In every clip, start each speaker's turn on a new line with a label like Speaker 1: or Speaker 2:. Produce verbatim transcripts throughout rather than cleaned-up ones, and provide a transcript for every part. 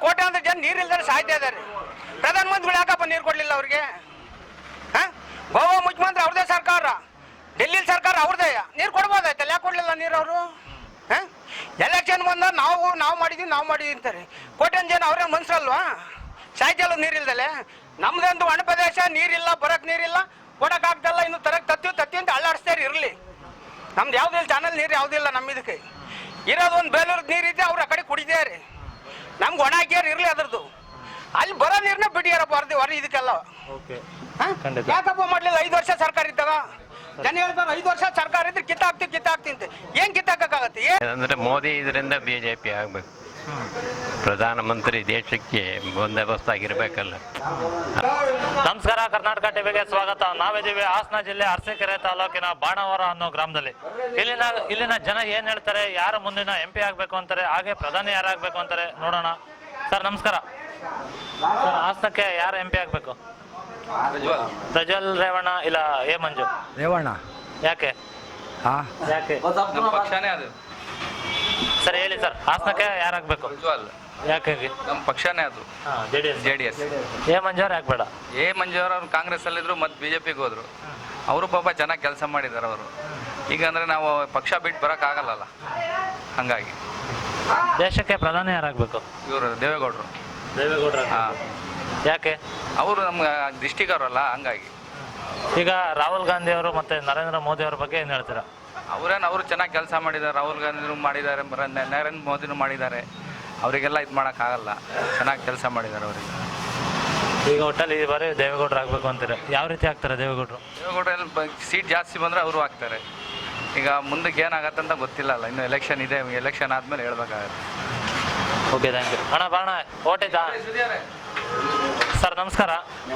Speaker 1: ಕೋಟ್ಯಾಂತರ ಜನ ನೀರಿಲ್ದರೆ ಸಾಯ್ತಾ ಇದ್ದಾರೆ. ಪ್ರಧಾನಮಂತ್ರಿಗಳು ಯಾಕಪ್ಪ ನೀರು ಕೊಡಲಿಲ್ಲ ಅವ್ರಿಗೆ? ಹಾಂ, ಗೋವಾ ಮುಖ್ಯಮಂತ್ರಿ ಅವ್ರದೇ ಸರ್ಕಾರ, ಡೆಲ್ಲಿ ಸರ್ಕಾರ ಅವ್ರದೇ, ನೀರು ಕೊಡ್ಬೋದಾಯ್ತಲ್ಲ, ಯಾಕೆ ಕೊಡಲಿಲ್ಲ ನೀರು ಅವರು? ಹಾಂ, ಎಲೆಕ್ಷನ್ ಬಂದ ನಾವು ನಾವು ಮಾಡಿದ್ವಿ ನಾವು ಮಾಡಿದ್ವಿ ಅಂತಾರೆ. ಕೋಟ್ಯಾಂತರ ಜನ ಅವ್ರೇ ಮನ್ಸಲ್ವಾ? ಸಾಯ್ತಲ್ಲ ನೀರಿಲ್ದಲೆ. ನಮ್ದಂತೂ ಒಣ ಪ್ರದೇಶ, ನೀರಿಲ್ಲ, ಬರಕ್ ನೀರಿಲ್ಲ, ಕೊಡಕ್ ಆಗ್ತಲ್ಲ, ಇನ್ನು ತರಕ್ ತತ್ತಿ ತತ್ತಿ ಅಂತ ಅಳ್ಳಾಡಿಸ್ತಾರೆ ಇರಲಿ. ನಮ್ದು ಯಾವುದಿಲ್ಲ, ಚಾನಲ್ ನೀರು ಯಾವುದಿಲ್ಲ ನಮ್ಮ ಇದಕ್ಕೆ ಇರೋದು. ಒಂದು ಬೇಲೂರ್ದು ನೀರಿದೆ, ಅವ್ರು ಆ ಕಡೆ ಕುಡಿದಾರೆ, ನಮ್ಗೆ ಒಣ ಹಾಕ್ಯಾರ ಇರಲಿ ಅದ್ರದ್ದು. ಅಲ್ಲಿ ಬರೋ ನೀರನ್ನ ಬಿಟ್ಟಿಯಾರಪ್ಪ ಹೊರದಿ ಹೊರ ಇದಕ್ಕೆಲ್ಲ. ಯಾಕಪ್ಪ ಮಾಡ್ಲಿಲ್ಲ? ಐದು ವರ್ಷ ಸರ್ಕಾರ ಇದ್ದಾಗ ಜನ ಹೇಳ್ತಾರೆ ಐದು ವರ್ಷ ಸರ್ಕಾರ ಇದ್ರೆ ಕಿತ್ತಾಕ್ತಿ ಕಿತ್ತಾಕ್ತಿ ಅಂತ. ಏನ್ ಕಿತ್ತಾಕಕ್ಕಾಗತ್ತೆ?
Speaker 2: ಅಂದ್ರೆ ಮೋದಿ ಇದರಿಂದ ಬಿಜೆಪಿ ಆಗ್ಬೇಕು, ಪ್ರಧಾನಮಂತ್ರಿ ದೇಶಕ್ಕೆ ಬಂದೋಬಸ್ತ್ ಆಗಿರ್ಬೇಕಲ್ಲ.
Speaker 3: ನಮಸ್ಕಾರ, ಕರ್ನಾಟಕ ಟಿವಿಗೆ ಸ್ವಾಗತ. ನಾವಿದ್ದೀವಿ ಹಾಸನ ಜಿಲ್ಲೆ ಅರಸೀಕೆರೆ ತಾಲೂಕಿನ ಬಾಣಾವರ ಅನ್ನೋ ಗ್ರಾಮದಲ್ಲಿ. ಇಲ್ಲಿನ ಇಲ್ಲಿನ ಜನ ಏನ್ ಹೇಳ್ತಾರೆ, ಯಾರು ಮುಂದಿನ ಎಂ ಪಿ ಆಗ್ಬೇಕು ಅಂತಾರೆ, ಹಾಗೆ ಪ್ರಧಾನಿ ಯಾರಾಗಬೇಕು ಅಂತಾರೆ, ನೋಡೋಣ. ಸರ್ ನಮಸ್ಕಾರ. ಸರ್, ಹಾಸನಕ್ಕೆ ಯಾರು ಎಂ ಪಿ ಆಗ್ಬೇಕು? ಪ್ರಜ್ವಲ್ ರೇವಣ್ಣ ಇಲ್ಲ ಎ ಮಂಜು?
Speaker 4: ರೇವಣ್ಣ.
Speaker 3: ಯಾಕೆ ಯಾಕೆ
Speaker 5: ಪಕ್ಷನೇ ಅದು.
Speaker 3: ಸರ್ ಹೇಳಿ ಸರ್, ಹಾಸನಕ್ಕೆ ಯಾರಾಗಬೇಕು?
Speaker 5: ಪ್ರಜ್ವಲ್.
Speaker 3: ಯಾಕೆ?
Speaker 5: ನಮ್ಮ ಪಕ್ಷನೇ ಅದು,
Speaker 3: J D S.
Speaker 5: J D S.
Speaker 3: A ಮಂಜವ್ರು ಯಾಕೆ ಬೇಡ?
Speaker 5: ಎ ಮಂಜುವರ್ ಅವ್ರು ಕಾಂಗ್ರೆಸ್ ಅಲ್ಲಿದ್ರು, ಮತ್ತೆ ಬಿಜೆಪಿಗೆ ಹೋದ್ರು. ಅವರು ಪಾಪ ಚೆನ್ನಾಗಿ ಕೆಲಸ ಮಾಡಿದ್ದಾರೆ ಅವರು. ಈಗ ಅಂದ್ರೆ ನಾವು ಪಕ್ಷ ಬಿಟ್ಟು ಬರಕ್ ಆಗಲ್ಲ, ಹಂಗಾಗಿ.
Speaker 3: ದೇಶಕ್ಕೆ ಪ್ರಧಾನಿ ಯಾರಾಗಬೇಕು?
Speaker 5: ಇವರು ದೇವೇಗೌಡರು.
Speaker 3: ದೇವೇಗೌಡರು.
Speaker 5: ಹಾಂ.
Speaker 3: ಯಾಕೆ?
Speaker 5: ಅವರು ನಮ್ಮ ಡಿಸ್ಟಿಕ್ ಅವರಲ್ಲ, ಹಂಗಾಗಿ.
Speaker 3: ಈಗ ರಾಹುಲ್ ಗಾಂಧಿ ಅವರು ಮತ್ತೆ ನರೇಂದ್ರ ಮೋದಿ ಅವ್ರ ಬಗ್ಗೆ ಏನು ಹೇಳ್ತೀರಾ?
Speaker 5: ಅವರೇನು ಅವರು ಚೆನ್ನಾಗಿ ಕೆಲಸ ಮಾಡಿದ್ದಾರೆ. ರಾಹುಲ್ ಗಾಂಧಿನೂ ಮಾಡಿದ್ದಾರೆ, ನರೇಂದ್ರ ಮೋದಿನೂ ಮಾಡಿದ್ದಾರೆ. ಅವರಿಗೆಲ್ಲ ಇದು ಮಾಡೋಕ್ಕಾಗಲ್ಲ, ಚೆನ್ನಾಗಿ ಕೆಲಸ ಮಾಡಿದ್ದಾರೆ ಅವರಿಗೆ.
Speaker 3: ಈಗ ಒಟ್ಟಲ್ಲಿ ಈ ಬಾರಿ ದೇವೇಗೌಡರು ಆಗಬೇಕು ಅಂತಾರೆ. ಯಾವ ರೀತಿ ಆಗ್ತಾರೆ ದೇವೇಗೌಡರು?
Speaker 5: ದೇವೇಗೌಡರು ಸೀಟ್ ಜಾಸ್ತಿ ಬಂದರೆ ಅವರು ಆಗ್ತಾರೆ. ಈಗ ಮುಂದಕ್ಕೆ ಏನಾಗತ್ತೆ ಅಂತ ಗೊತ್ತಿಲ್ಲ ಅಲ್ಲ, ಇನ್ನು ಎಲೆಕ್ಷನ್ ಇದೆ, ಎಲೆಕ್ಷನ್ ಆದಮೇಲೆ ಹೇಳ್ಬೇಕಾಗತ್ತೆ.
Speaker 3: Okay, thank you. ಅಣ್ಣ ಬಾಣ ಓಟಿದ್ದಾ? ಸರ್ ನಮಸ್ಕಾರ.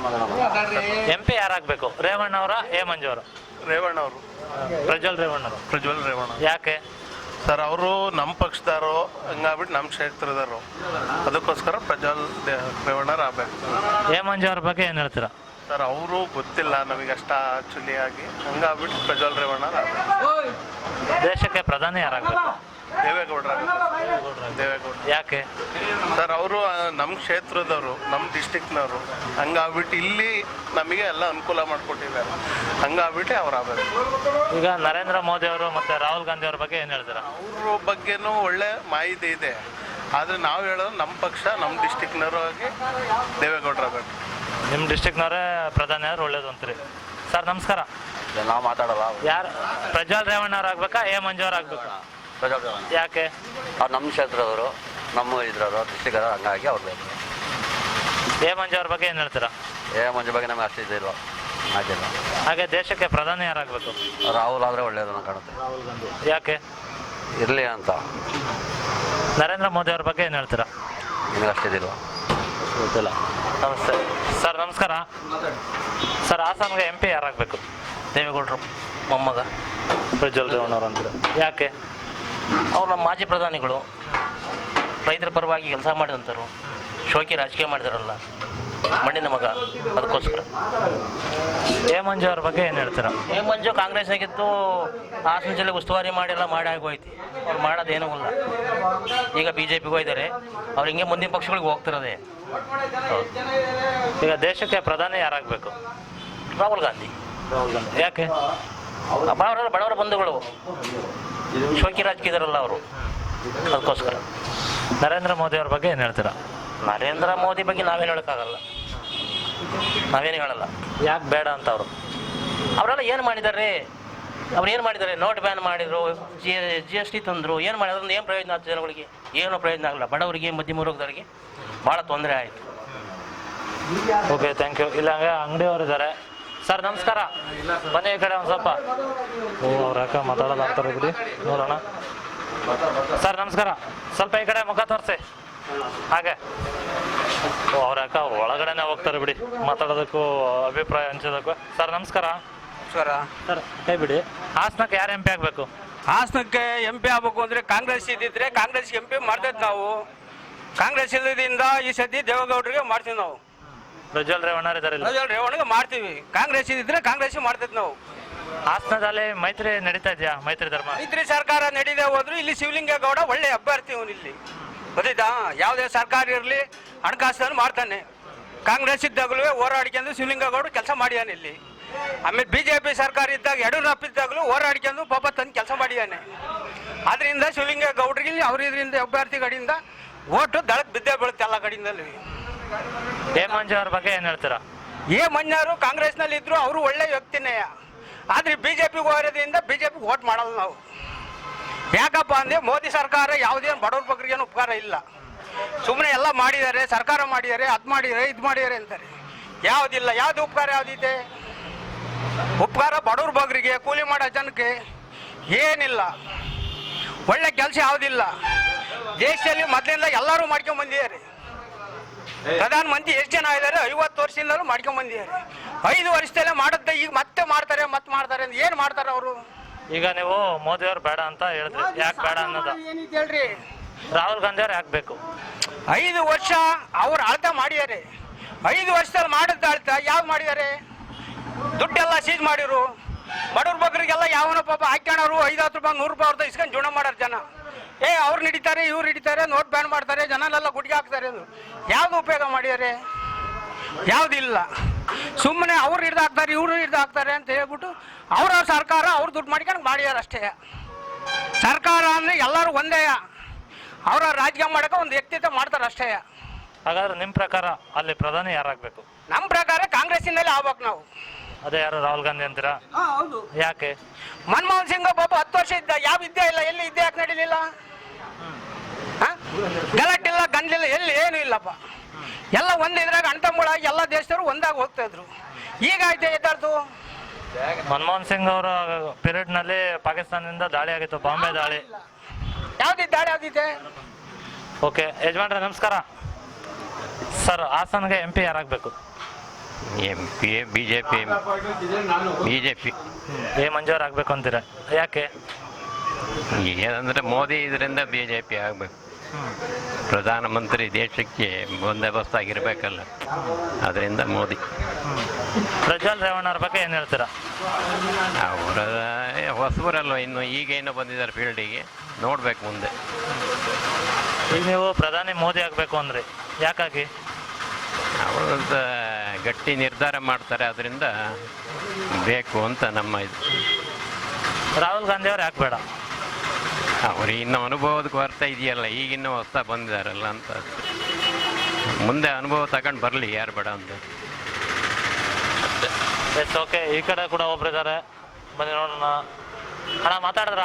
Speaker 3: ಎಂ ಪಿ ಯಾರಾಗಬೇಕು, ರೇವಣ್ಣ ಅವರ ಎ ಮಂಜು ಅವರು?
Speaker 6: ರೇವಣ್ಣ ಅವರು.
Speaker 3: ಪ್ರಜ್ವಲ್ ರೇವಣ್ಣ ಅವರು.
Speaker 6: ಪ್ರಜ್ವಲ್ ರೇವಣ್ಣ.
Speaker 3: ಯಾಕೆ?
Speaker 6: ಸರ್ ಅವರು ನಮ್ಮ ಪಕ್ಷದವರು, ಹಂಗಾಗ್ಬಿಟ್ಟು ನಮ್ಮ ಕ್ಷೇತ್ರದವರು, ಅದಕ್ಕೋಸ್ಕರ ಪ್ರಜ್ವಲ್ ರೇವಣ್ಣರು ಆಗ್ಬೇಕು.
Speaker 3: ಎ ಮಂಜು ಅವ್ರ ಬಗ್ಗೆ ಏನು ಹೇಳ್ತೀರಾ?
Speaker 6: ಸರ್ ಅವರು ಗೊತ್ತಿಲ್ಲ ನಮಗೆ ಅಷ್ಟ ಆಕ್ಚುಲಿ ಆಗಿ, ಹಂಗಾಗ್ಬಿಟ್ಟು ಪ್ರಜ್ವಲ್ ರೇವಣ್ಣರು ಆಗ್ಬೇಕು.
Speaker 3: ದೇಶಕ್ಕೆ ಪ್ರಧಾನಿ ಯಾರಾಗಬೇಕು?
Speaker 6: ದೇವೇಗೌಡರ. ದೇವೇಗೌಡ.
Speaker 3: ಯಾಕೆ?
Speaker 6: ಸರ್ ಅವರು ನಮ್ಮ ಕ್ಷೇತ್ರದವರು, ನಮ್ಮ ಡಿಸ್ಟಿಕ್ನವರು, ಹಂಗಾಗ್ಬಿಟ್ಟು ಇಲ್ಲಿ ನಮಗೆ ಎಲ್ಲ ಅನುಕೂಲ ಮಾಡಿಕೊಟ್ಟಿದ್ದಾರೆ, ಹಂಗಾಗ್ಬಿಟ್ಟು ಅವ್ರು ಆಗಬೇಕು.
Speaker 3: ಈಗ ನರೇಂದ್ರ ಮೋದಿ ಅವರು ಮತ್ತೆ ರಾಹುಲ್ ಗಾಂಧಿ ಅವ್ರ ಬಗ್ಗೆ ಏನು ಹೇಳ್ತೀರಾ?
Speaker 6: ಅವ್ರ ಬಗ್ಗೆನೂ ಒಳ್ಳೆ ಮಾಹಿತಿ ಇದೆ, ಆದರೆ ನಾವು ಹೇಳೋದು ನಮ್ಮ ಪಕ್ಷ, ನಮ್ಮ ಡಿಸ್ಟಿಕ್ನವರು ಆಗಿ ದೇವೇಗೌಡರು ಆಗಬೇಕು.
Speaker 3: ನಿಮ್ಮ ಡಿಸ್ಟಿಕ್ನವರೇ ಪ್ರಧಾನಿ ಆದ್ರೆ ಒಳ್ಳೇದು ಅಂತೀರಿ. ಸರ್ ನಮಸ್ಕಾರ.
Speaker 7: ನಾವು ಮಾತಾಡಲ್ಲ.
Speaker 3: ಯಾರು? ಪ್ರಜ್ವಲ್ ರೇವಣ್ಣ ಅವ್ರು ಆಗ್ಬೇಕಾ ಎ ಮಂಜು ಅವ್ರು ಆಗ್ಬೇಕಾ?
Speaker 7: ಪ್ರಜ್ವಲ್ ರೇವಣ್ಣ.
Speaker 3: ಯಾಕೆ?
Speaker 7: ಅವ್ರು ನಮ್ಮ ಕ್ಷೇತ್ರದವರು, ನಮ್ಮ ಇದ್ರವರು, ಡಿಸ್ಟಿಕ್ ಅವರು, ಹಂಗಾಗಿ ಅವ್ರು ಬೇಕು.
Speaker 3: ಎ ಮಂಜು ಅವ್ರ ಬಗ್ಗೆ ಏನು ಹೇಳ್ತೀರಾ?
Speaker 7: ಏ ಮಂಜು ಬಗ್ಗೆ ನಮಗೆ ಅಷ್ಟು ಇದಿಲ್ವ, ಆಗಿಲ್ಲ.
Speaker 3: ಹಾಗೆ ದೇಶಕ್ಕೆ ಪ್ರಧಾನಿ ಯಾರಾಗಬೇಕು?
Speaker 7: ರಾಹುಲ್ ಆದರೆ ಒಳ್ಳೆಯದು ಅನ್ನೋ ಕಾಣುತ್ತೆ.
Speaker 3: ರಾಹುಲ್ ಗಾಂಧಿ. ಯಾಕೆ?
Speaker 7: ಇರಲಿ ಅಂತ.
Speaker 3: ನರೇಂದ್ರ ಮೋದಿ ಅವ್ರ ಬಗ್ಗೆ ಏನು ಹೇಳ್ತೀರಾ?
Speaker 7: ನಿಮಗೆ ಅಷ್ಟಿದಿಲ್ವ?
Speaker 3: ಗೊತ್ತಿಲ್ಲ. ನಮಸ್ತೆ ಸರ್. ನಮಸ್ಕಾರ ಸರ್. ಹಾಸನ್ಗೆ ಎಂ ಪಿ ಯಾರಾಗಬೇಕು?
Speaker 8: ದೇವೇಗೌಡರು ಮೊಮ್ಮಗ
Speaker 3: ಪ್ರಜ್ವಲ್ ರೇವಣ್ಣ ಅವ್ರು ಅಂತಾರೆ. ಯಾಕೆ?
Speaker 8: ಅವ್ರು ನಮ್ಮ ಮಾಜಿ ಪ್ರಧಾನಿಗಳು, ರೈತರ ಪರವಾಗಿ ಕೆಲಸ ಮಾಡಿದಂಥವ್ರು, ಶೋಕಿ ರಾಜಕೀಯ ಮಾಡಿದಾರಲ್ಲ, ಮಣ್ಣಿನ ಮಗ, ಅದಕ್ಕೋಸ್ಕರ.
Speaker 3: ಎ ಮಂಜು ಅವ್ರ ಬಗ್ಗೆ ಏನು ಹೇಳ್ತೀರಾ?
Speaker 8: ಎ ಮಂಜು ಕಾಂಗ್ರೆಸ್ನಾಗಿದ್ದು ಹಾಸನ ಜಿಲ್ಲೆ ಉಸ್ತುವಾರಿ ಮಾಡಿಲ್ಲ, ಮಾಡಿ ಆಗೋಯ್ತು. ಅವ್ರು ಮಾಡೋದೇನೂ ಇಲ್ಲ. ಈಗ ಬಿ ಜೆ ಪಿಗೆ ಹೋಗಿದ್ದಾರೆ, ಅವ್ರು ಹಿಂಗೆ ಮುಂದಿನ ಪಕ್ಷಗಳಿಗೆ ಹೋಗ್ತಿರೋದೆ.
Speaker 3: ಈಗ ದೇಶಕ್ಕೆ ಪ್ರಧಾನಿ ಯಾರಾಗಬೇಕು?
Speaker 8: ರಾಹುಲ್ ಗಾಂಧಿ.
Speaker 3: ರಾಹುಲ್ ಗಾಂಧಿ. ಯಾಕೆ?
Speaker 8: ಬಡವರ ಬಡವರ ಬಂಧುಗಳು, ಶೋಕಿ ರಾಜಕೀಯದಾರಲ್ಲ ಅವರು, ಅದಕ್ಕೋಸ್ಕರ.
Speaker 3: ನರೇಂದ್ರ ಮೋದಿ ಅವ್ರ ಬಗ್ಗೆ ಏನು ಹೇಳ್ತೀರಾ?
Speaker 8: ನರೇಂದ್ರ ಮೋದಿ ಬಗ್ಗೆ ನಾವೇನು ಹೇಳೋಕ್ಕಾಗಲ್ಲ, ನಾವೇನು ಹೇಳಲ್ಲ.
Speaker 3: ಯಾಕೆ ಬೇಡ ಅಂತ ಅವರು?
Speaker 8: ಅವರೆಲ್ಲ ಏನು ಮಾಡಿದ್ದಾರೆ? ಅವ್ರು ಏನು ಮಾಡಿದ್ದಾರೆ? ನೋಟ್ ಬ್ಯಾನ್ ಮಾಡಿದ್ರು, ಜಿ ಜಿ ಎಸ್ ಟಿ ತಂದರು, ಏನು ಮಾಡಿದ್ರು? ಏನು ಪ್ರಯೋಜನ ಆಯ್ತು ಜನಗಳಿಗೆ? ಏನೂ ಪ್ರಯೋಜನ ಆಗಲ್ಲ. ಬಡವರಿಗೆ, ಮಧ್ಯಮ ವರ್ಗದವರಿಗೆ ಭಾಳ ತೊಂದರೆ ಆಯಿತು.
Speaker 3: Okay, thank you. ಇಲ್ಲ ಅಂಗಡಿಯವರು ಇದ್ದಾರೆ. ಸರ್ ನಮಸ್ಕಾರ. ಬನ್ನಿ ಈ ಕಡೆ ಒಂದು ಸ್ವಲ್ಪ. ಓ ಅವ್ರ ಅಕ್ಕ ಮಾತಾಡೋದು ಆಗ್ತಾರೆ ಬಿಡಿ, ನೋಡೋಣ. ಸರ್ ನಮಸ್ಕಾರ. ಸ್ವಲ್ಪ ಈ ಕಡೆ ಮುಖ ತೋರಿಸಿ ಹಾಗೆ. ಓ ಅವ್ರ ಅಕ್ಕ ಒಳಗಡೆನೆ ಹೋಗ್ತಾರೆ ಬಿಡಿ, ಮಾತಾಡೋದಕ್ಕೂ ಅಭಿಪ್ರಾಯ ಹಂಚೋದಕ್ಕೂ. ಸರ್ ನಮಸ್ಕಾರ.
Speaker 1: ನಮಸ್ಕಾರ
Speaker 3: ಸರ್. ಕೈ ಬಿಡಿ. ಹಾಸನಕ್ಕೆ ಯಾರು ಎಂ ಪಿ ಆಗಬೇಕು?
Speaker 1: ಹಾಸನಕ್ಕೆ ಎಂ ಪಿ ಆಗ್ಬೇಕು ಅಂದರೆ ಕಾಂಗ್ರೆಸ್ ಇದ್ದಿದ್ರೆ ಕಾಂಗ್ರೆಸ್ ಎಂ ಪಿ ಮಾಡ್ತೈತೆ ನಾವು. ಕಾಂಗ್ರೆಸ್ ಇಲ್ಲದಿಂದ ಈ ಸತಿ ದೇವೇಗೌಡರಿಗೆ ಮಾಡ್ತೀವಿ ನಾವು.
Speaker 3: ಪ್ರಜ್ವಲ್ ರೇವಣ್ಣ ಇದ್ದಾರೆ.
Speaker 1: ಪ್ರಜ್ವಲ್ ರೇವಣ್ಣಗೆ ಮಾಡ್ತೀವಿ. ಕಾಂಗ್ರೆಸ್ ಇದ್ದಿದ್ರೆ ಕಾಂಗ್ರೆಸ್ ಮಾಡ್ತೈತೆ ನಾವು.
Speaker 3: ಹಾಸನದಲ್ಲಿ ಮೈತ್ರಿ ನಡೀತಾ ಇದೆಯಾ? ಮೈತ್ರಿ ಧರ್ಮ
Speaker 1: ಮೈತ್ರಿ ಸರ್ಕಾರ ನಡೀದೇ ಹೋದ್ರು ಇಲ್ಲಿ ಶಿವಲಿಂಗೇಗೌಡ ಒಳ್ಳೆ ಅಭ್ಯರ್ಥಿ ಅವನು ಇಲ್ಲಿ, ಗೊತ್ತಾಯ್ತಾ? ಯಾವುದೇ ಸರ್ಕಾರ ಇರಲಿ ಹಣಕಾಸನ್ನು ಮಾಡ್ತಾನೆ. ಕಾಂಗ್ರೆಸ್ ಇದ್ದಾಗಲೂ ಹೋರಾಡಿಕೊಂಡು ಶಿವಲಿಂಗೇಗೌಡರು ಕೆಲಸ ಮಾಡಿದಾನೆ ಇಲ್ಲಿ. ಆಮೇಲೆ ಬಿ ಜೆ ಪಿ ಸರ್ಕಾರ ಇದ್ದಾಗ ಯಡಿಯೂರಪ್ಪ ಇದ್ದಾಗಲೂ ಹೋರಾಡಿಕೊಂಡು ಪಾಪ ತಂದು ಕೆಲಸ ಮಾಡಿದ್ದಾನೆ. ಅದರಿಂದ ಶಿವಲಿಂಗೇಗೌಡರಿಗೆ ಅವ್ರ ಇದರಿಂದ ಅಭ್ಯರ್ಥಿ ಕಡೆಯಿಂದ ಓಟು ದಳಕ್ಕೆ ಬಿದ್ದೇ ಬೀಳುತ್ತೆ ಎಲ್ಲ ಕಡೆಯಿಂದಲೂ.
Speaker 3: ಎ ಮಂಜು ಅವ್ರ ಬಗ್ಗೆ ಏನು ಹೇಳ್ತೀರಾ?
Speaker 1: ಎ ಮಂಜಾರು ಕಾಂಗ್ರೆಸ್ನಲ್ಲಿ ಇದ್ರು ಅವರು ಒಳ್ಳೆ ವ್ಯಕ್ತಿನೇ. ಆದರೆ ಬಿ ಜೆ ಪಿಗೆ ಹೋಗೋದ್ರಿಂದ ಬಿ ಜೆ ಪಿಗೆ ಓಟ್ ಮಾಡಲ್ಲ ನಾವು. ಯಾಕಪ್ಪ ಅಂದರೆ ಮೋದಿ ಸರ್ಕಾರ ಯಾವುದೇನು ಬಡವ್ರ ಬಗ್ಗರಿಗೇನು ಉಪಕಾರ ಇಲ್ಲ. ಸುಮ್ಮನೆ ಎಲ್ಲ ಮಾಡಿದ್ದಾರೆ, ಸರ್ಕಾರ ಮಾಡಿದ್ದಾರೆ, ಅದು ಮಾಡಿದ್ದಾರೆ, ಇದು ಮಾಡಿದ್ದಾರೆ ಅಂತಾರೆ. ಯಾವುದಿಲ್ಲ. ಯಾವುದು ಉಪಕಾರ ಯಾವುದಿದೆ? ಉಪಕಾರ ಬಡವ್ರ ಬಗ್ಗರಿಗೆ, ಕೂಲಿ ಮಾಡೋ ಜನಕ್ಕೆ ಏನಿಲ್ಲ. ಒಳ್ಳೆ ಕೆಲಸ ಯಾವುದಿಲ್ಲ. ದೇಶದಲ್ಲಿ ಮೊದಲಿಂದ ಎಲ್ಲರೂ ಮಾಡ್ಕೊಂಡ್ ಬಂದಿದ್ದಾರೆ. ಪ್ರಧಾನ ಮಂತ್ರಿ ಎಷ್ಟು ಜನ ಇದ್ದಾರೆ? ಐವತ್ತು ವರ್ಷದಿಂದಲೂ ಮಾಡ್ಕೊಂಡ್ ಬಂದಿದ್ದಾರೆ. ಐದು ವರ್ಷದಲ್ಲೇ ಮಾಡುತ್ತೆ, ಈಗ ಮತ್ತೆ ಮಾಡ್ತಾರೆ ಮತ್ತೆ ಮಾಡ್ತಾರೆ ಅಂತ ಏನು ಮಾಡ್ತಾರೆ ಅವರು?
Speaker 3: ಈಗ ನೀವು ಮೋದಿ ಅವ್ರು ಬೇಡ ಅಂತ ಹೇಳಿದ್ರಿ, ಯಾಕೆ ಬೇಡ ಅನ್ನೋದು
Speaker 1: ಏನಿದೆ ಹೇಳ್ರಿ?
Speaker 3: ರಾಹುಲ್ ಗಾಂಧಿ ಅವ್ರು ಯಾಕೆ ಬೇಕು?
Speaker 1: ಐದು ವರ್ಷ ಅವ್ರು ಆಳ್ತ ಮಾಡಿದ್ದಾರೆ. ಐದು ವರ್ಷದಲ್ಲಿ ಮಾಡಿದ ಆಳ್ತ ಯಾವ್ದು ಮಾಡಿದ್ದಾರೆ? ದುಡ್ಡೆಲ್ಲ ಸೀಜ್ ಮಾಡಿರು. ಬಡವ್ರ ಬಗ್ಗರಿಗೆಲ್ಲ ಯಾವನ ಪಾಪ ಹಾಕ್ಯಣರು ಐದು ಹತ್ತು ರೂಪಾಯಿ ನೂರು ರೂಪಾಯಿ ಅವ್ರದ್ದು ಇಸ್ಕೊಂಡು ಜೀವನ ಮಾಡೋರು ಜನ. ಏ ಅವ್ರು ಹಿಡಿತಾರೆ, ಇವ್ರು ಹಿಡಿತಾರೆ, ನೋಟ್ ಬ್ಯಾನ್ ಮಾಡ್ತಾರೆ, ಜನನೆಲ್ಲ ಗುಡ್ಗೆ ಹಾಕ್ತಾರೆ. ಅದು ಯಾವ್ದು ಉಪಯೋಗ ಮಾಡಿದ್ದಾರೆ? ಯಾವುದಿಲ್ಲ. ಸುಮ್ಮನೆ ಅವ್ರು ಹಿಡ್ದು ಹಾಕ್ತಾರೆ, ಇವ್ರು ಹಿಡ್ದು ಹಾಕ್ತಾರೆ ಅಂತ ಹೇಳ್ಬಿಟ್ಟು ಅವ್ರ ಸರ್ಕಾರ ಅವ್ರು ದುಡ್ಡು ಮಾಡ್ಕೊಂಡು ಮಾಡ್ಯಾರ ಅಷ್ಟೇ. ಸರ್ಕಾರ ಅಂದರೆ ಎಲ್ಲರೂ ಒಂದೇ. ಅವರ ರಾಜಕೀಯ ಮಾಡೋಕೆ ಒಂದು ವ್ಯಕ್ತಿತ್ವ ಮಾಡ್ತಾರೆ ಅಷ್ಟೇ.
Speaker 3: ಹಾಗಾದ್ರೆ ನಿಮ್ಮ ಪ್ರಕಾರ ಅಲ್ಲಿ ಪ್ರಧಾನಿ ಯಾರಾಗಬೇಕು?
Speaker 1: ನಮ್ಮ ಪ್ರಕಾರ ಕಾಂಗ್ರೆಸ್ಸಿಂದಲೇ ಆಗ್ಬೇಕು ನಾವು.
Speaker 3: ಅದೇ ಯಾರು ರಾಹುಲ್ ಗಾಂಧಿ ಅಂತೀರಾ?
Speaker 1: ಹೌದು.
Speaker 3: ಯಾಕೆ?
Speaker 1: ಮನಮೋಹನ್ ಸಿಂಗ್ ಪಾಪ ಹತ್ತು ವರ್ಷ ಇದ್ದ, ಯಾವ ವಿದ್ಯೆ ಇಲ್ಲ, ಎಲ್ಲಿ ವಿದ್ಯೆ ಯಾಕೆ ನಡೀಲಿಲ್ಲ? ಗಲಾಟಿಲ್ಲ, ಗಂಡ್ಲಿಲ್ಲ, ಎಲ್ಲಿ ಏನು ಇಲ್ಲಪ್ಪ. ಎಲ್ಲ ಒಂದು ಇದ್ರಾಗ ಅಣ್ತಂಬಳಾಗಿ ಎಲ್ಲ ದೇಶದವರು ಒಂದಾಗಿ ಹೋಗ್ತಾ ಇದ್ರು. ಈಗ ಆಯ್ತು ಎದ್ದಾಡ್ತು.
Speaker 3: ಮನಮೋಹನ್ ಸಿಂಗ್ ಅವರ ಪೀರಿಯಡ್ನಲ್ಲಿ ಪಾಕಿಸ್ತಾನದಿಂದ ದಾಳಿ ಆಗಿತ್ತು, ಬಾಂಬೆ ದಾಳಿ.
Speaker 1: ಯಾವ್ದಿತ್ತು ದಾಳಿ? ಯಾವ್ದಿದೆ?
Speaker 3: ಓಕೆ ಯಜಮಾನ್ರೆ ನಮಸ್ಕಾರ. ಸರ್ ಹಾಸನ್ಗೆ ಎಂ ಪಿ ಯಾರಾಗಬೇಕು?
Speaker 2: M P B J P B J P
Speaker 3: A ಮಂಜೂರು ಆಗಬೇಕು ಅಂತೀರಾ? ಯಾಕೆ?
Speaker 2: ಏನಂದರೆ ಮೋದಿ ಇದರಿಂದ ಬಿ ಜೆ ಪಿ ಆಗಬೇಕು. ಪ್ರಧಾನಮಂತ್ರಿ ದೇಶಕ್ಕೆ ಬಂದೋಬಸ್ತ್ ಆಗಿರಬೇಕಲ್ಲ, ಅದರಿಂದ ಮೋದಿ.
Speaker 3: ಪ್ರಜ್ವಲ್ ರೇವಣ್ಣವ್ರ ಬಗ್ಗೆ ಏನು ಹೇಳ್ತೀರಾ?
Speaker 2: ಅವರ ಹೊಸಬರಲ್ವ, ಇನ್ನು ಈಗೇನು ಬಂದಿದ್ದಾರೆ ಫೀಲ್ಡಿಗೆ, ನೋಡ್ಬೇಕು ಮುಂದೆ.
Speaker 3: ಈಗ ನೀವು ಪ್ರಧಾನಿ ಮೋದಿ ಆಗಬೇಕು ಅಂದರೆ ಯಾಕಾಗಿ?
Speaker 2: ಅವರಂತ ಗಟ್ಟಿ ನಿರ್ಧಾರ ಮಾಡ್ತಾರೆ, ಅದರಿಂದ ಬೇಕು ಅಂತ ನಮ್ಮ ಇದು.
Speaker 3: ರಾಹುಲ್ ಗಾಂಧಿ ಅವ್ರು ಯಾಕೆ ಬೇಡ?
Speaker 2: ಅವರು ಇನ್ನೂ ಅನುಭವದ ಕೊರತೆ ಇದೆಯಲ್ಲ, ಈಗಿನ್ನೂ ಹೊಸ ಬಂದಿದ್ದಾರಲ್ಲ ಅಂತ. ಮುಂದೆ ಅನುಭವ ತಗೊಂಡು ಬರಲಿ, ಯಾರು ಬೇಡ ಅಂತ.
Speaker 3: Yes okay. ಈ ಕಡೆ ಕೂಡ ಒಬ್ರು ಇದ್ದಾರೆ, ಬನ್ನಿ ನೋಡೋಣ. ಅಣ್ಣ ಮಾತಾಡಿದ್ರ?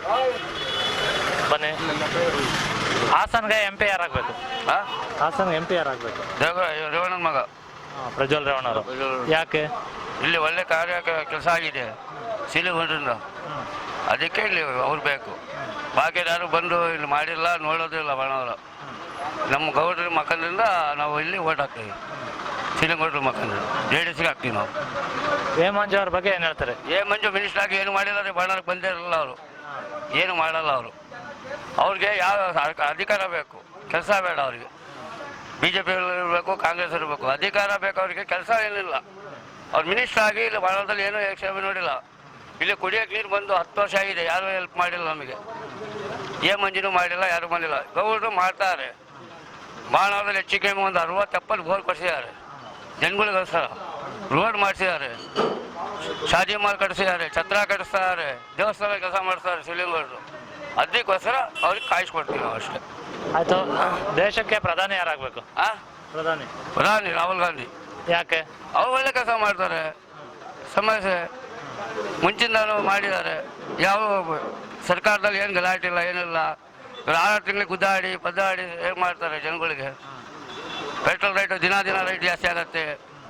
Speaker 3: ಬನ್ನಿ. ಹಾಸನ್ಗೆ ಎಂ ಪಿ ಯಾರಾಗಬೇಕು? ಹಾಸನ್ಗೆ ಎಂ ಪಿ ಯಾರಾಗಬೇಕು?
Speaker 5: ರೇವಣ್ಣನ ಮಗ
Speaker 3: ಪ್ರಜ್ವಲ್ ರೇವಣ್ಣವರು. ಯಾಕೆ?
Speaker 5: ಇಲ್ಲಿ ಒಳ್ಳೆ ಕಾರ್ಯ ಕೆಲಸ ಆಗಿದೆ ಸಿಲಿಗೊಂಡ್ರಿಂದ, ಅದಕ್ಕೆ ಇಲ್ಲಿ ಅವ್ರು ಬೇಕು. ಬಾಕಿ ಯಾರು ಬಂದು ಇಲ್ಲಿ ಮಾಡಿಲ್ಲ, ನೋಡೋದಿಲ್ಲ ಬಣ್ಣವರು. ನಮ್ಮ ಗೌಡ್ರ ಮಕ್ಕಳಿಂದ ನಾವು ಇಲ್ಲಿ ಓಟ್ ಹಾಕ್ತೀವಿ. ಸಿಲಿಗೊಂಡ್ರ ಮಕ್ಕಳಿಂದ ಜೆ ಡಿ ಸಿಗೆ ಹಾಕ್ತೀವಿ ನಾವು.
Speaker 3: ಎ ಮಂಜು ಅವ್ರ ಬಗ್ಗೆ ಏನು ಹೇಳ್ತಾರೆ?
Speaker 5: ಏ ಮಂಜು ಮಿನಿಸ್ಟರ್ ಆಗಿ ಏನು ಮಾಡಿಲ್ಲ ರೀ, ಬಣ್ಣಕ್ಕೆ ಬಂದೇ ಇರಲ್ಲ ಅವರು, ಏನು ಮಾಡಲ್ಲ ಅವರು. ಅವ್ರಿಗೆ ಯಾವ ಅಧಿಕಾರ ಬೇಕು, ಕೆಲಸ ಬೇಡ ಅವ್ರಿಗೆ. ಬಿ ಜೆ ಪಿ ಇರಬೇಕು, ಕಾಂಗ್ರೆಸ್ ಇರಬೇಕು, ಅಧಿಕಾರ ಬೇಕು ಅವ್ರಿಗೆ, ಕೆಲಸ ಏನಿಲ್ಲ. ಅವ್ರು ಮಿನಿಸ್ಟರ್ ಆಗಿ ಇಲ್ಲಿ ಬಾಣದಲ್ಲಿ ಏನೂ ಯಕ್ಷೇಮ ನೋಡಿಲ್ಲ. ಇಲ್ಲಿ ಕುಡಿಯೋಕೆ ನೀರು ಬಂದು ಹತ್ತು ವರ್ಷ ಆಗಿದೆ, ಯಾರೂ ಹೆಲ್ಪ್ ಮಾಡಿಲ್ಲ ನಮಗೆ. ಏ ಮಂಜಿನೂ ಮಾಡಿಲ್ಲ, ಯಾರೂ ಬಂದಿಲ್ಲ. ಗೌಡ್ರು ಮಾಡ್ತಾರೆ. ಬಾಣದಲ್ಲಿ ಹೆಚ್ಚಿಗೆ ಒಂದು ಅರವತ್ತು ಎಪ್ಪತ್ತು ಬೋರ್ ಕೊಡಿಸಿದ್ದಾರೆ ಜನಗಳಿಗೋಸ್ಕರ. ರೋಡ್ ಮಾಡಿಸಿದ್ದಾರೆ, ಶಾದಿ ಮಾಲ್ ಕಟ್ಟಿಸಿದ್ದಾರೆ, ಛತ್ರ ಕಟ್ಟಿಸ್ತಾರೆ, ದೇವಸ್ಥಾನ ಕೆಲಸ ಮಾಡಿಸ್ತಾರೆ ಶಿವಲಿಂಗರು. ಅದಕ್ಕೋಸ್ಕರ ಅವ್ರಿಗೆ ಕಾಯಿಸ್ಕೊಡ್ತೀವಿ ನಾವು ಅಷ್ಟೇ.
Speaker 3: ಆಯಿತು. ದೇಶಕ್ಕೆ ಪ್ರಧಾನಿ ಯಾರಾಗಬೇಕು?
Speaker 5: ಆ
Speaker 3: ಪ್ರಧಾನಿ
Speaker 5: ಪ್ರಧಾನಿ ರಾಹುಲ್ ಗಾಂಧಿ.
Speaker 3: ಯಾಕೆ?
Speaker 5: ಅವ್ರು ಒಳ್ಳೆ ಕೆಲಸ ಮಾಡ್ತಾರೆ. ಸಮಸ್ಯೆ ಮುಂಚಿಂದಲೂ ಮಾಡಿದ್ದಾರೆ. ಯಾವ ಸರ್ಕಾರದಲ್ಲಿ ಏನು ಗಲಾಟೆ ಇಲ್ಲ, ಏನಿಲ್ಲ. ಆರು ತಿಂಗಳಿಗೆ ಗುದ್ದಾಡಿ ಪದ್ದಾಡಿ ಹೇಗೆ ಮಾಡ್ತಾರೆ ಜನಗಳಿಗೆ. ಪೆಟ್ರೋಲ್ ರೇಟು ದಿನ ದಿನ ರೇಟ್ ಜಾಸ್ತಿ ಆಗುತ್ತೆ.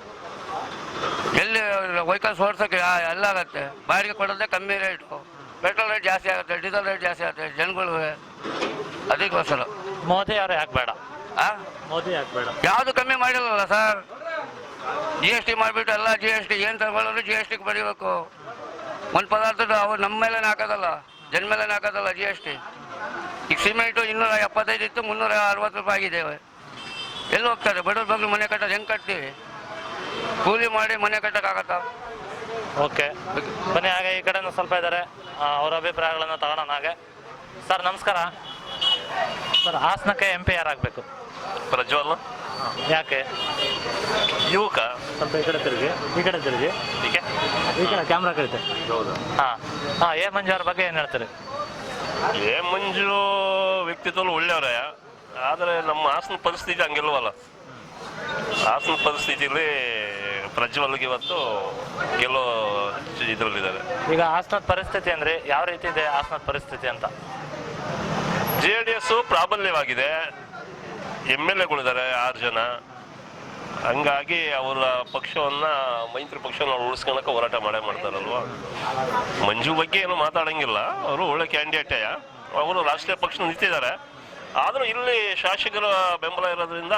Speaker 5: ಎಲ್ಲಿ ವೆಹಿಕಲ್ಸ್ ಓಡಿಸೋಕ್ಕೆ ಎಲ್ಲ ಆಗುತ್ತೆ. ಬಾಡಿಗೆ ಕೊಡೋದೇ ಕಮ್ಮಿ ರೇಟು. ಪೆಟ್ರೋಲ್ ರೇಟ್ ಜಾಸ್ತಿ ಆಗುತ್ತೆ, ಡೀಸೆಲ್ ರೇಟ್ ಜಾಸ್ತಿ ಆಗುತ್ತೆ ಜನಗಳಿಗೆ. ಅದಕ್ಕೋಸ್ಕರ
Speaker 3: ಮೋದಿ ಅವರು ಯಾಕೆ ಬೇಡ?
Speaker 5: ಆ
Speaker 3: ಮೋದಿ ಯಾಕೆ ಬೇಡ?
Speaker 5: ಯಾವುದು ಕಮ್ಮಿ ಮಾಡಿಲ್ಲಲ್ಲ ಸರ್. ಜಿ ಎಸ್ ಟಿ ಮಾಡಿಬಿಟ್ಟು ಎಲ್ಲ ಜಿ ಎಸ್ ಟಿ ಏನು ತಗೊಳ್ಳೋದು ಜಿ ಎಸ್ ಟಿಗೆ ಬರೀಬೇಕು. ಒಂದು ಪದಾರ್ಥದ ಅವ್ರು ನಮ್ಮ ಮೇಲೆ ಹಾಕೋದಲ್ಲ, ಜನ ಮೇಲೆ ಹಾಕೋದಲ್ಲ ಜಿ ಎಸ್ ಟಿ. ಈಗ ಸಿಮೆಂಟು ಇನ್ನೂರ ಎಪ್ಪತ್ತೈದು ಇತ್ತು, ಮುನ್ನೂರ ಅರವತ್ತು ರೂಪಾಯಿ ಆಗಿದ್ದೇವೆ. ಎಲ್ಲಿ ಹೋಗ್ತಾರೆ ಬಡವ್ರ ಬಗ್ಗೆ? ಮನೆ ಕಟ್ಟೋದು ಹೆಂಗೆ ಕಟ್ತೀವಿ? ಕೂಲಿ ಮಾಡಿ ಮನೆ ಕಟ್ಟೋಕ್ಕಾಗತ್ತಾ?
Speaker 3: ಓಕೆ ಬನ್ನಿ. ಹಾಗೆ ಈ ಕಡೆನೂ ಸ್ವಲ್ಪ ಇದ್ದಾರೆ, ಅವರ ಅಭಿಪ್ರಾಯಗಳನ್ನು ತಗೊಳ್ಳೋಣ. ಹಾಗೆ ಸರ್ ನಮಸ್ಕಾರ. ಸರ್ ಹಾಸನಕ್ಕೆ ಎಂ ಪಿ ಯಾರಾಗಬೇಕು?
Speaker 4: ಪ್ರಜ್ವಲ್.
Speaker 3: ಯಾಕೆ?
Speaker 4: ಯುವಕ.
Speaker 3: ಸ್ವಲ್ಪ ಈ ಕಡೆ ತಿರುಗಿ, ಈ ಕಡೆ ತಿರುಗಿ,
Speaker 4: ಹೀಗೆ
Speaker 3: ಈ ಕಡೆ ಕ್ಯಾಮ್ರಾ ಕಳಿತೆ.
Speaker 4: ಹೌದು.
Speaker 3: ಹಾಂ ಹಾಂ ಎ ಮಂಜು ಅವ್ರ ಬಗ್ಗೆ ಏನು ಹೇಳ್ತಾರೆ?
Speaker 4: ಏ ಮಂಜು ವ್ಯಕ್ತಿತ್ವ ಒಳ್ಳೆಯವರೇ, ಆದರೆ ನಮ್ಮ ಹಾಸನ ಪರಿಸ್ಥಿತಿ ಹಂಗಿಲ್ವಲ್ಲ. ಹಾಸನ ಪರಿಸ್ಥಿತಿಲಿ ಪ್ರಜ್ವಲ್ಗೆ ಇವತ್ತು ಗೆಲ್ಲೋ ಇದರಲ್ಲಿದ್ದಾರೆ.
Speaker 3: ಈಗ ಹಾಸನದ ಪರಿಸ್ಥಿತಿ ಅಂದರೆ ಯಾವ ರೀತಿ ಇದೆ ಹಾಸನದ ಪರಿಸ್ಥಿತಿ ಅಂತ?
Speaker 4: ಜೆ ಡಿ ಎಸ್ ಪ್ರಾಬಲ್ಯವಾಗಿದೆ, ಎಮ್ ಎಲ್ ಎಗಳಿದ್ದಾರೆ ಆರು ಜನ. ಹಂಗಾಗಿ ಅವರ ಪಕ್ಷವನ್ನ ಮೈತ್ರಿ ಪಕ್ಷವನ್ನು ಉಳಿಸ್ಕೊಳಕ್ಕೆ ಹೋರಾಟ ಮಾಡೇ ಮಾಡ್ತಾರಲ್ವ. ಮಂಜು ಬಗ್ಗೆ ಏನು ಮಾತಾಡಂಗಿಲ್ಲ, ಅವರು ಒಳ್ಳೆ ಕ್ಯಾಂಡಿಡೇಟೇ, ಅವರು ರಾಷ್ಟ್ರೀಯ ಪಕ್ಷ ನಿಂತಿದ್ದಾರೆ. ಆದರೂ ಇಲ್ಲಿ ಶಾಸಕರ ಬೆಂಬಲ ಇರೋದ್ರಿಂದ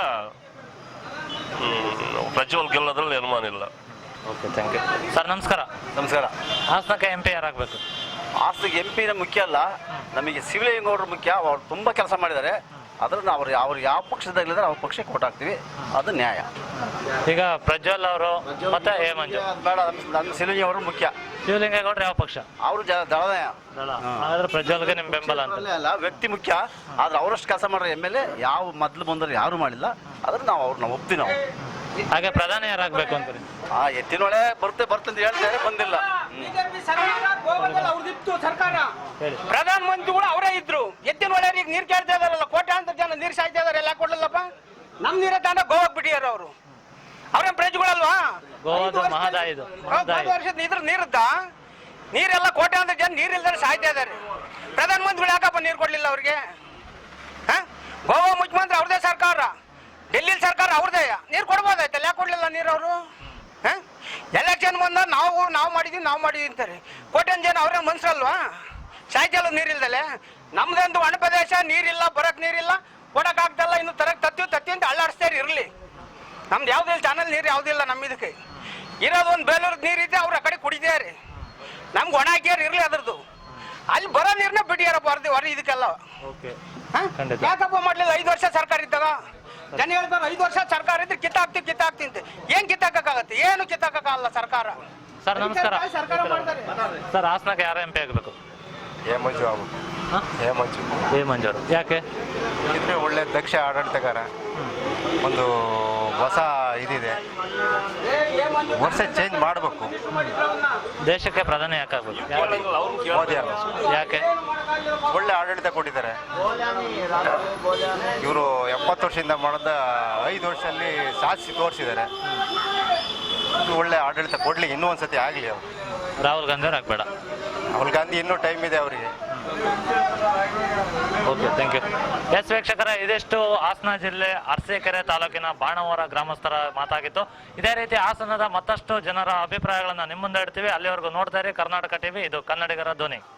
Speaker 4: ಪ್ರಜ್ವಲ್ ಗೆಲ್ಲೋದ್ರಲ್ಲಿ ಅನುಮಾನ ಇಲ್ಲ.
Speaker 3: Okay, thank you sir. ನಮಸ್ಕಾರ.
Speaker 9: ನಮಸ್ಕಾರ.
Speaker 3: ಹಾಸನಕ್ಕೆ ಎಂ ಪಿ ಯಾರಾಗಬೇಕು?
Speaker 9: ಹಾಸನಕ್ಕೆ ಎಂ ಪಿನ ಮುಖ್ಯ ಅಲ್ಲ, ನಮಗೆ ಶಿವಲಿಂಗೌಡರು ಮುಖ್ಯ. ಅವ್ರು ತುಂಬ ಕೆಲಸ ಮಾಡಿದ್ದಾರೆ. ಅದನ್ನು ಅವ್ರು ಅವ್ರು ಯಾವ ಪಕ್ಷದಲ್ಲಿದ್ದಾರೆ ಅವ್ರ ಪಕ್ಷಕ್ಕೆ ಕೊಟ್ಟು ಹಾಕ್ತೀವಿ, ಅದು ನ್ಯಾಯ.
Speaker 3: ಈಗ ಪ್ರಜ್ವಲ್ ಅವರು ಮತ್ತೆ ಎ ಮಂಜು
Speaker 9: ಬೇಡ, ನನ್ನ ಶಿವಲಿಂಗೌಡರು ಮುಖ್ಯ.
Speaker 3: ಶಿವಲಿಂಗೇಗೌಡರು ಯಾವ ಪಕ್ಷ?
Speaker 9: ಅವರು ಜ ದಳದ
Speaker 3: ಹಾಗಾದ್ರೆ ಪ್ರಜ್ವಲ್ಗೆ ನಿಮ್ಮ ಬೆಂಬಲ ಅಂತ?
Speaker 9: ಅಲ್ಲ, ವ್ಯಕ್ತಿ ಮುಖ್ಯ. ಆದ್ರೆ ಅವರಷ್ಟು ಕೆಲಸ ಮಾಡೋ ಎಮ್ ಎಲ್ ಎ ಯಾವ ಮೊದಲು ಬಂದರು ಯಾರು ಮಾಡಿಲ್ಲ. ಆದ್ರೆ ನಾವು ಅವ್ರನ್ನ ಒಪ್ತೀವಿ. ನಾವು
Speaker 3: ಹಾಗೆ ಪ್ರಧಾನಿ ಯಾರಾಗಬೇಕು ಅಂತೀರಿ?
Speaker 9: ಆ ಎತ್ತಿನೊಳೆ ಬರುತ್ತೆ ಬರುತ್ತೆ ಅಂತ ಹೇಳ್ತಾರೆ, ಬಂದಿಲ್ಲ.
Speaker 1: ಬಿಜೆಪಿ ಸರ್ಕಾರ ಗೋವಾದಲ್ಲಿ ಅವ್ರದಿತ್ತು ಸರ್ಕಾರ,
Speaker 3: ಹೇಳಿ.
Speaker 1: ಪ್ರಧಾನ ಮಂತ್ರಿಗಳು ಅವರೇ ಇದ್ರು. ಎತ್ತಿನ ಒಳ್ಳೆಯ ಈಗ ನೀರು ಕೇಳ್ತಾ ಇದಾರಲ್ಲ, ಕೋಟ್ಯಾಂತರ ಜನ ನೀರು ಸಾಯ್ತಾ ಇದಾರೆ, ಎಲ್ಲ ಕೊಡ್ಲಿಲ್ಲಪ್ಪ. ನಮ್ ನೀರೇ ತಾಂಡ ಗೋವಾಗ್ ಬಿಟ್ಟಿಯಾರ ಅವರು. ಅವ್ರೇನ್ ಪ್ರಜೆಗಳಲ್ವಾ?
Speaker 3: ಗೋವಾದ ಮಹದಾಯಿದು
Speaker 1: ಐದು ವರ್ಷದ ಇದ್ರ ನೀರದ್ದ ನೀರೆಲ್ಲ ಕೋಟ್ಯಾಂತರ ಜನ ನೀರಿಲ್ದಾರೆ ಸಾಯ್ತಾ ಇದಾರೆ. ಪ್ರಧಾನ ಮಂತ್ರಿಗಳು ಯಾಕಪ್ಪ ನೀರು ಕೊಡ್ಲಿಲ್ಲ ಅವ್ರಿಗೆ? ಹಾ, ಗೋವಾ ಮುಖ್ಯಮಂತ್ರಿ ಅವ್ರದೇ ಸರ್ಕಾರ, ಡೆಲ್ಲಿ ಸರ್ಕಾರ ಅವ್ರದೇ. ನೀರು ಕೊಡ್ಬೋದಾಯ್ತಲ್ಲ, ಯಾಕೆ ಕೊಡ್ಲಿಲ್ಲ ನೀರು ಅವರು? ಹಾಂ, ಎಲೆಕ್ಷನ್ ಬಂದ ನಾವು ನಾವು ಮಾಡಿದ್ವಿ ನಾವು ಮಾಡಿದ್ವಿ ಅಂತಾರೆ. ಕೋಟ್ಯಾನ್ ಜನ ಅವ್ರೇ ಮನ್ಸಲ್ವಾ? ಸಾಯ್ತಲ್ಲ ನೀರಿಲ್ದಲೆ. ನಮ್ದೊಂದು ಒಣ ಪ್ರದೇಶ, ನೀರಿಲ್ಲ, ಬರಕ್ ನೀರಿಲ್ಲ, ಕೊಡಕ್ ಆಗ್ತಲ್ಲ. ಇನ್ನು ತರಕ್ ತತ್ತಿ ತತ್ತಿ ಅಂತ ಅಳ್ಳಾಡಿಸ್ತಾರೆ ಇರಲಿ. ನಮ್ದು ಯಾವುದಿಲ್ಲ, ಚಾನಲ್ ನೀರು ಯಾವುದಿಲ್ಲ ನಮ್ಮ ಇದಕ್ಕೆ. ಇರೋದು ಒಂದು ಬೇಲೂರ್ದು ನೀರು ಇದೆ, ಅವ್ರು ಆ ಕಡೆ ಕುಡಿದಾರೆ. ನಮ್ಗೆ ಒಣ ಹಾಕ್ಯಾರ ಇರಲಿ ಅದ್ರದ್ದು. ಅಲ್ಲಿ ಬರೋ ನೀರನ್ನ ಬಿಟ್ಟಿಯಾರಪ್ಪ ಅರ್ಧಿ ಹೊರ ಇದಕ್ಕೆಲ್ಲ. ಯಾಕಪ್ಪ ಮಾಡಲಿಲ್ಲ? ಐದು ವರ್ಷ ಸರ್ಕಾರ ಇದ್ದಾಗ ಜನ ಹೇಳ್ತಾರೆ ಐದು ವರ್ಷ ಸರ್ಕಾರ ಇದ್ರೆ ಕಿತ್ತಾಕ್ತಿವಿ ಕಿತ್ತಾಕ್ತಿ ಅಂತ. ಏನ್ ಕಿತ್ತಾಕಕ್ಕಾಗತ್ತೆ? ಏನು ಕಿತ್ತಾಕಕ್ಕಾಗಲ್ಲ ಸರ್ಕಾರ.
Speaker 3: ಸರ್ ನಮಸ್ಕಾರ.
Speaker 1: ಸರ್ಕಾರ ಮಾಡ್ತಾರೆ.
Speaker 3: ಸರ್ ಹಾಸನಕ್ಕೆ ಯಾರು ಎಂ ಪಿ ಆಗಬೇಕು?
Speaker 10: ಎ ಮಂಜು ಆಗ್ಬೇಕು. ಎ ಮಂಜು
Speaker 3: ಎ ಮಂಜು ಅವರು ಯಾಕೆ?
Speaker 10: ಇದ್ರೆ ಒಳ್ಳೆ ದಕ್ಷ ಆಡಳಿತಗಾರ, ಒಂದು ಹೊಸ ಇದಿದೆ, ವರ್ಷ ಚೇಂಜ್ ಮಾಡಬೇಕು.
Speaker 3: ದೇಶಕ್ಕೆ ಪ್ರಧಾನಿ ಯಾಕೆ ಆಗ್ಬೇಕು?
Speaker 10: ಮೋದಿ ಆಗ್ಬೇಕು.
Speaker 3: ಯಾಕೆ?
Speaker 10: ಒಳ್ಳೆ ಆಡಳಿತ ಕೊಟ್ಟಿದ್ದಾರೆ. ಇವರು ಎಪ್ಪತ್ತು ವರ್ಷದಿಂದ ಮಾಡಿದ ಐದು ವರ್ಷದಲ್ಲಿ ಸಾಧಿಸಿ ತೋರಿಸಿದ್ದಾರೆ. ಒಳ್ಳೆ ಆಡಳಿತ ಕೊಡ್ಲಿ, ಇನ್ನೂ ಒಂದ್ಸತಿ ಆಗಲಿ. ಅವರು
Speaker 3: ರಾಹುಲ್ ಗಾಂಧಿ ಅವ್ರು ಆಗ್ಬೇಡ?
Speaker 10: ರಾಹುಲ್ ಗಾಂಧಿ ಇನ್ನೂ ಟೈಮ್ ಇದೆ ಅವರಿಗೆ.
Speaker 3: Okay, thank you. ಎಸ್ ವೀಕ್ಷಕರ, ಇದಿಷ್ಟು ಹಾಸನ ಜಿಲ್ಲೆ ಅರಸೀಕೆರೆ ತಾಲೂಕಿನ ಬಾಣವರ ಗ್ರಾಮಸ್ಥರ ಮಾತಾಗಿತ್ತು. ಇದೇ ರೀತಿ ಹಾಸನದ ಮತ್ತಷ್ಟು ಜನರ ಅಭಿಪ್ರಾಯಗಳನ್ನು ನಿಮ್ಮ ಮುಂದೆ ಇಡ್ತೀವಿ. ಅಲ್ಲಿವರೆಗೂ ನೋಡ್ತಾ ಇರಿ ಕರ್ನಾಟಕ ಟಿವಿ, ಇದು ಕನ್ನಡಿಗರ ಧ್ವನಿ.